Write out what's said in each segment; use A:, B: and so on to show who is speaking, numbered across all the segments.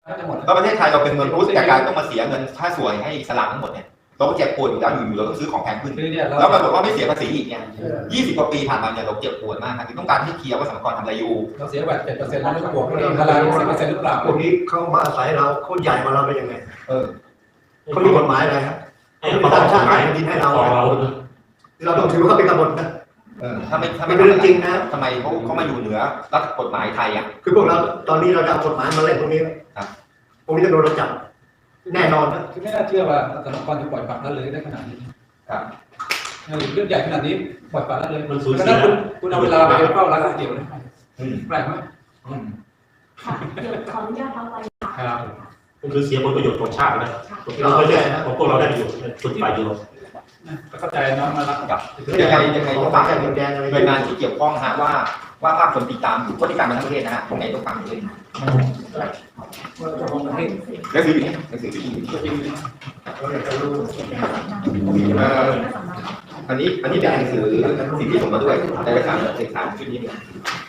A: แล้วประเทศไทยเราเป็นเมืองพุทธแต่การต้องมาเสียเงินค่าสวยให้อิสลามทั้งหมดเนี่ยเราก็เจ็บปวดอยู่แล้วอยู่เราต้องซื้อของแพงขึ้นแล้วปรากฏว่าไม่เสียภาษีอีกเนี่ย20 กว่าปีผ่านมาเนี่ยเราเจ็บปวดมากครับต้องการที่เคลียร์ว่าสรรพากรทำอะไรอยู่
B: เราเสียแบบ7%แล้วไม่บวกเท่าไหร่10%หรือเปล่า
C: พวกนี้เขามาอาศัยเราเขาใหญ่มาเราเป็นยังไงเขามีกฎหมายอะไรครับเขาตั้งชาติให้ดินให้เราเราต้องถือว่าเขาเป็นกบฏนะ
A: ถ้าไม่
C: เป็นเรื่องจริงนะ
A: ทำไมเขามาอยู่เหนือรัฐกฎหมายไทยอ่ะ
C: คือพวกเราตอนนี้เราจะเอากฎหมายมาเล่นพวกนี้พวกนี้จะโดนเราจับแน่นอนนะ
B: คือไม่น่าเชื่อว่าสถาบันจะปล่อยปละละเลยได้ขนาดนี้เรื่องใหญ่ขนาดนี้ปล่อยปละละเลยมันสูญเสียคุณเอาเวลาไปเฝ้าร้านก๋วยเตี๋ยวเลยแปลกไหม
D: ค่ะเดี๋ยวขออนุญาตเอาไว้
E: ครับมันคือเสียผลประโยชน์ของชาตินะเราไม่ได้ของพวกเราได้ประโยชน์ส่วนฝ่ายเดียว
B: เข้าใจน้องมารับ
A: กับยังไงต้องฟังหน่วยงานที่เกี่ยวข้องฮะว่าภาคคนติดตามอยู่คนติดตามมาทั้งประเทศนะฮะตรงไหนต้องฟังเลยหนังสืออยู่นี่หนังสืออยู่นี่อันนี้เป็นหนังสือสิ่งที่ส่งมาด้วยในเอกสารชุดนี้เนี่ย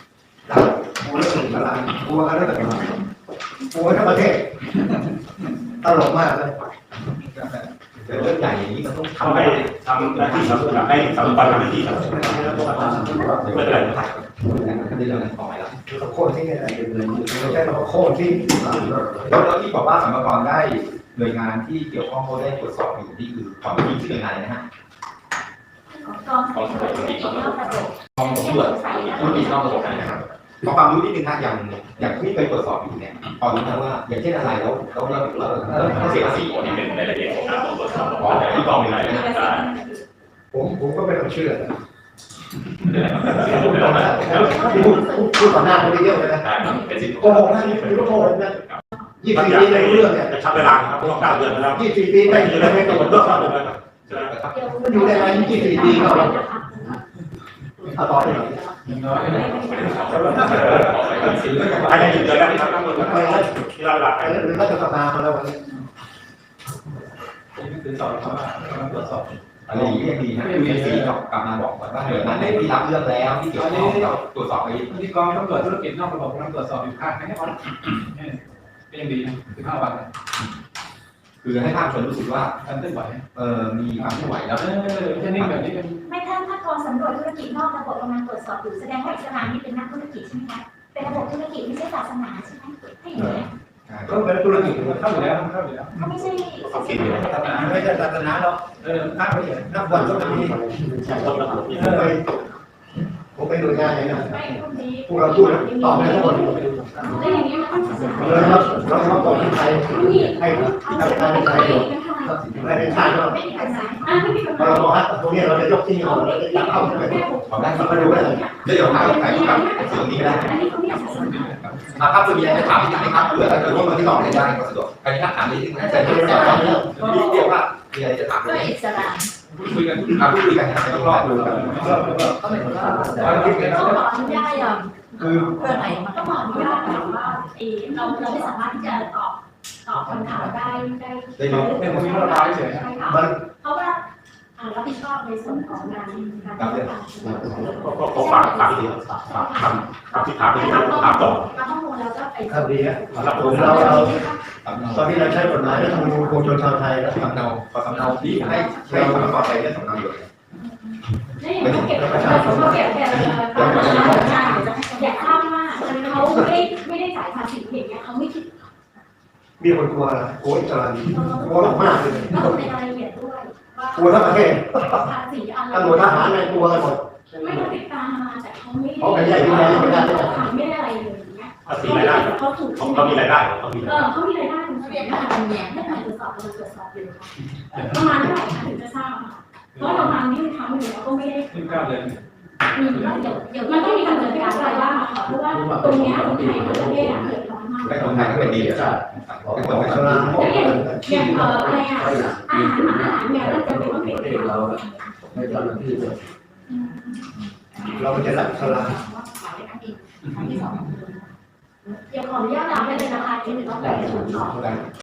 C: กลัวอะไรแบบนี้กลัวทั้งประเทศตลกมากเลย
A: เรื่องใหญ่อย่างนี้มันต้อง
E: ทำให้ทำหน้าที่ให้สถาบันทำหน้าที่ครับไม่เป็นไร
A: ก็ได้เรื่องนั้นต่อไปแล้ว
C: เราโค่นที่อะไรไม่ใช่เราโค่นที่
A: แล้วที่บอกว่าสรรพากรได้หน่วยงานที่เกี่ยวข้องเขาได้ตรวจสอบอยู่นี่คือของที่ชื่อหน่วยงานอะไรนะฮะ
D: กองสำรวจธุรกิจนอกระบบ
A: กองสำรวจธุรกิจนอกระบบนะครับขอความรู้นิดนึงนะอย่างที่เคยตรวจสอบอยู่เนี่ยพอรู้นะว่าอย่างเช่นอะไรแล้วเราเสียภาษี
E: นี่เป็นรายละเอียดของการตรวจสอบ
A: ที่กองเป็นอะไร
C: ผมก็ไม่ต้องเชื่อพูดต่อหน้าคนเยอะเลยนะโกหกนะนี่คือโกหกนะ24 ปีในเรื่องเนี่ย
E: จะชักเวลาครับเพราะ9 เดือนแล้ว
C: 24 ปีไม่อยู่ในไม่ตรวจสอบมันอยู่ได้ไหม24 ปีเขาเอาต่อไปหน่อย
E: ภายใน1 เดือนแล้วครับทั้งหมดที่เราหลัก
C: หรือรัฐสภามาแล้ววันนี้
B: คือสอบเขาตรวจสอบ
A: อะไรอย่างนี้ยังดีนะมีสีกลับมาบอกว่าหน่วยงานไหนที่รับเรื่องแล้วที่เกี่ยวข้องกับตรวจสอบไป
B: ที่กองตำรวจธุรกิจนอกระบบกำลังตรวจสอบอยู่ข้างให้เขาก็ยังดี15 วัน
A: คือให้ภาคชนรู้สึกว่า
B: การเคลื่อนไหว
A: มีความเคลื่อนไหวแล้ว
B: ไม่ใช่นิ่งแบบนี้เป็น
D: ไม่ถ้ากองสำรวจธุรกิจนอกระบบกำลังตรวจสอบอยู่แสดงว่าอิสลามนี่เป็นนักธุรกิจใช่ไหมคะเป็นระบบธุรกิจไม่ใช่ศาสนาใช่ไหมให้อย่างนี้
C: ก็เป็นธุรกิจ
B: เข้าอยู่แล้ว
D: เขาไม่ใช่
C: ไม่ใช่ศาสนาหรอกนักวันก็มีผมไปดูงานอย่างนั้นพวกเราพูดตอบให้ทุกคนเราต้องบอกที่ไทยให้ทำการในไทยไม่เป็นชาติเราบอกว่าตรงนี้เราจะยกที่เราจะจับเข้าไป
A: ของด้านมาดูได้เลยเดี๋ยวถ่ายกับส่วนนี้ได้ครับจะมีอะไรถามที่ไหนครับเผื่อถ้าเกิดว่ามาที่ต่อได้ก็สะดวกอันนี้ถ้าถามนิดนึงนะจะเรียกว่ามีอะไรจะถามเลยคุยกันคุยกันนะต้องรอดูกัน
D: เขาขออนุญาตอย่างคือเพื่อไหนมันต้องขออนุญาตแบบว่าเราไม่สามารถที่จะตอบคำถามได้
B: เป็นคนที่เราได้เฉย
D: เพราะว่ารับผิดชอบในส่วนของงานการ
E: ก็ฝากดีคำที่ถามไปที่ถามต่อ
D: ข้อมูลแล้วก็ไป
C: ครับดีครับผมเราตอนนี้เราใช้กฎหมายรัฐธรรมนูญปวงชนชาวไทยแล้ว
A: สำเนาขอสำเนาที่ให้ใช้สำเนาก่อนใช้เรื่องสำเนาอยู่
D: ไม่ได้เก็บอยากทราบว่าเขาไม่ได้จ่ายภาษีอย่างเงี้ยเขาไม่คิด
C: มีคนกลัวนะกลัวอิสลามกลัวมากเลย
D: ก็ในรายละเอียดด้วย
C: กลัวทั้งประเทศ
D: ภาษีอะไร
C: ตำรวจทหารอะไรกลัวกันหมด
D: ไม่ต้องติดตามมาแต่เขาไม่ได้
C: ไม่ได้
D: ไม่ได้อะไรเลย
E: ภาษีรายได้เขามีรายได้เขามี
D: รายได้คุณเรียนทางแง่ไม่ผ่านตรวจสอบอยู่ประมาณเท่าไหร่คะถึงจะทราบเพราะเราทำนี่ทำอยู่แล้วก็ไม่ได้
B: 9 เดือน
D: เดี๋ยวมันต้องมีการจัดการอะไรบ้างค่ะเพราะว่าตรงนี้คนไทยทั้งประเทศเดือดร้อนมาก
A: คนไทยก็เป็นดีใช่เป็นคน
C: อิสลาม
D: อย่างอะไรอาหารเนี่ยเราจะเป็นต้องเป็น
C: เราในตอนที่เราจะรับอิสลาม
D: เดี๋ยวขออนุญาตรับไปเลยนะคะที่หนึ่งต้องไป